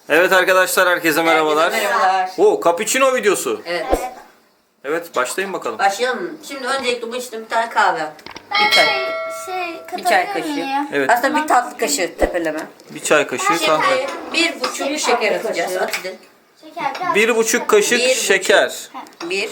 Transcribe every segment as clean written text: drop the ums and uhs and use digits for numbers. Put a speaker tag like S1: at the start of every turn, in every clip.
S1: Evet arkadaşlar, herkese merhabalar.
S2: Merhabalar.
S1: Oo, cappuccino videosu.
S2: Evet.
S1: Evet, başlayın bakalım.
S2: Başlayalım mı? Şimdi öncelikle bu işte bir tane kahve yaptım. Bir çay. Bir çay kaşığı.
S1: Evet.
S2: Aslında bir tatlı kaşığı tepeleme.
S1: Bir çay kaşığı kahve.
S2: Şimdi 1,5 şeker atacağız. At edin.
S1: 1,5 kaşık
S2: 1,5
S1: şeker.
S2: 1,5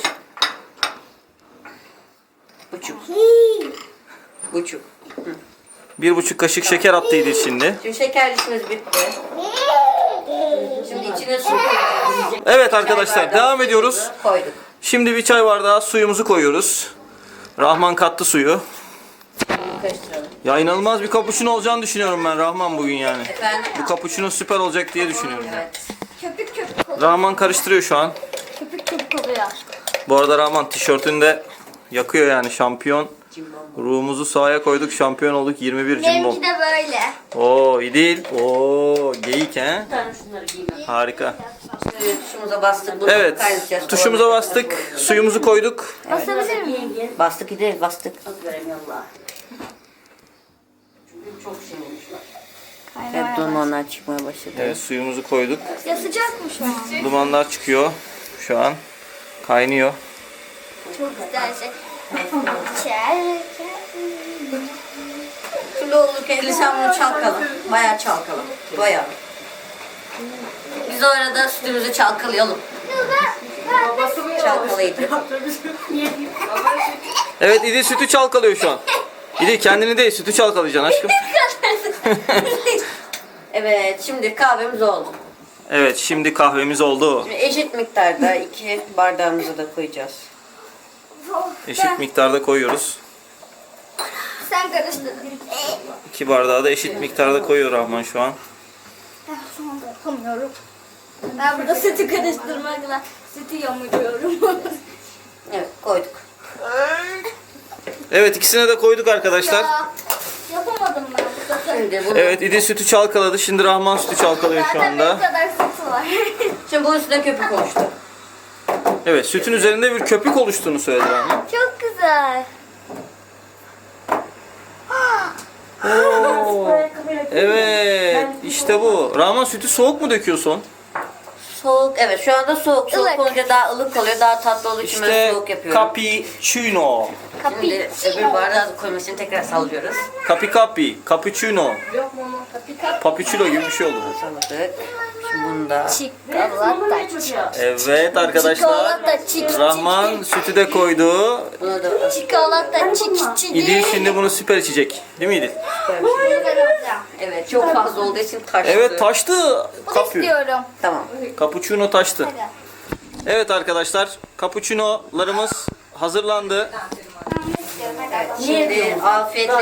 S2: buçuk.
S1: 1,5 kaşık şeker attıydı şimdi.
S2: Şimdi şeker işimiz bitti. Şimdi içine su koyuyoruz.
S1: Evet
S2: Çay
S1: arkadaşlar,
S2: bardağı
S1: devam ediyoruz.
S2: suyumuzu koyduk.
S1: Şimdi bir çay bardağı suyumuzu koyuyoruz. Rahman kattı suyu.
S2: Bunu karıştıralım.
S1: Ya inanılmaz bir cappuccino olacağını düşünüyorum ben Rahman bugün yani.
S2: Efendim?
S1: Bu cappuccino süper olacak diye düşünüyorum.
S2: Evet.
S3: Köpük köpük oluyor.
S1: Rahman karıştırıyor şu an.
S3: Köpük köpük oluyor.
S1: Bu arada Rahman tişörtünü de yakıyor yani, şampiyon.
S2: Cimbom.
S1: Ruhumuzu sahaya koyduk, şampiyon olduk, 21 cimbom.
S3: Benimki de böyle.
S1: Oo, iyi değil. Oo, geyik he.
S2: Şunları giyeyim.
S1: Harika.
S2: Şimdi tuşumuza bastık. Bunu
S1: Evet,
S2: kaynatacağız.
S1: tuşumuza bastık, suyumuzu koyduk.
S3: Basabilir miyim?
S2: Bastık gideriz bastık. Çünkü çok şey olmuşlar. Evet, dumanlar çıkmaya başladı.
S1: Evet, suyumuzu koyduk.
S3: Ya sıcak mı şu an?
S1: Dumanlar çıkıyor şu an. Kaynıyor.
S3: Çok güzel şey. Çel.
S2: Şimdi olurken sen bunu çalkala. Bayağı çalkala. Bayağı. Biz o arada sütümüzü çalkalayalım. Çalkalayın.
S1: Evet, İdil sütü çalkalıyor şu an. İdil kendini değil, sütü çalkalayacaksın aşkım.
S2: Evet, şimdi kahvemiz oldu.
S1: Evet, şimdi kahvemiz oldu.
S2: Şimdi eşit miktarda 2 bardağımızı da koyacağız.
S1: Eşit miktarda koyuyoruz.
S3: Sen karıştır.
S1: 2 bardağı da eşit miktarda koyuyor Rahman şu an.
S3: Şu anda yapamıyorum. Ben burada sütü karıştırmakla sütü yamuruyorum.
S2: Evet, koyduk.
S1: Evet, ikisine de koyduk arkadaşlar.
S3: Ya, yapamadım ben bu sefer.
S2: Şimdi bunu,
S1: Evet, İdil sütü çalkaladı. Şimdi Rahman sütü çalkalıyor şu
S3: Zaten benim
S1: anda.
S3: kadar sütü var.
S2: şimdi bunun üstüne köpük oluştu.
S1: Evet, sütün üzerinde bir köpük oluştuğunu söyledi Rahman.
S3: Çok güzel.
S1: Oo, evet, işte bu. Rahman, sütü soğuk mu döküyorsun?
S2: Soğuk, evet şu anda soğuk. Soğuk
S3: Ilık.
S2: olunca daha ılık oluyor, daha tatlı olduğu için ben
S1: İşte
S2: soğuk yapıyorum.
S1: cappuccino.
S2: Şimdi öbür bardağı koymasını tekrar sallıyoruz.
S1: Cappuccino. Papuçino gibi bir şey oldu.
S2: Salladık. Şimdi bunu da
S3: Çikolata.
S1: Evet arkadaşlar.
S3: Çikolata çik.
S1: Rahman sütü de koydu.
S2: bunu da
S3: Çikolata çik çik.
S1: İdil şimdi bunu süper içecek. Değil mi İdil?
S2: evet çok fazla olduğu için taştı.
S1: Evet, taştı.
S3: Bunu istiyorum.
S2: Tamam.
S1: Cappuccino taştı. Evet arkadaşlar, cappuccino'larımız hazırlandı.
S2: Evet, şimdi afiyetle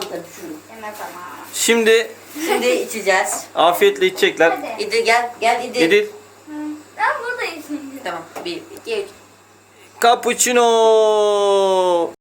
S1: Şimdi
S2: şimdi içeceğiz.
S1: afiyetle içecekler.
S2: İdil gel İdil.
S1: İdil,
S3: Ben buradayım.
S2: Tamam. 1, 2, 3.
S1: cappuccino.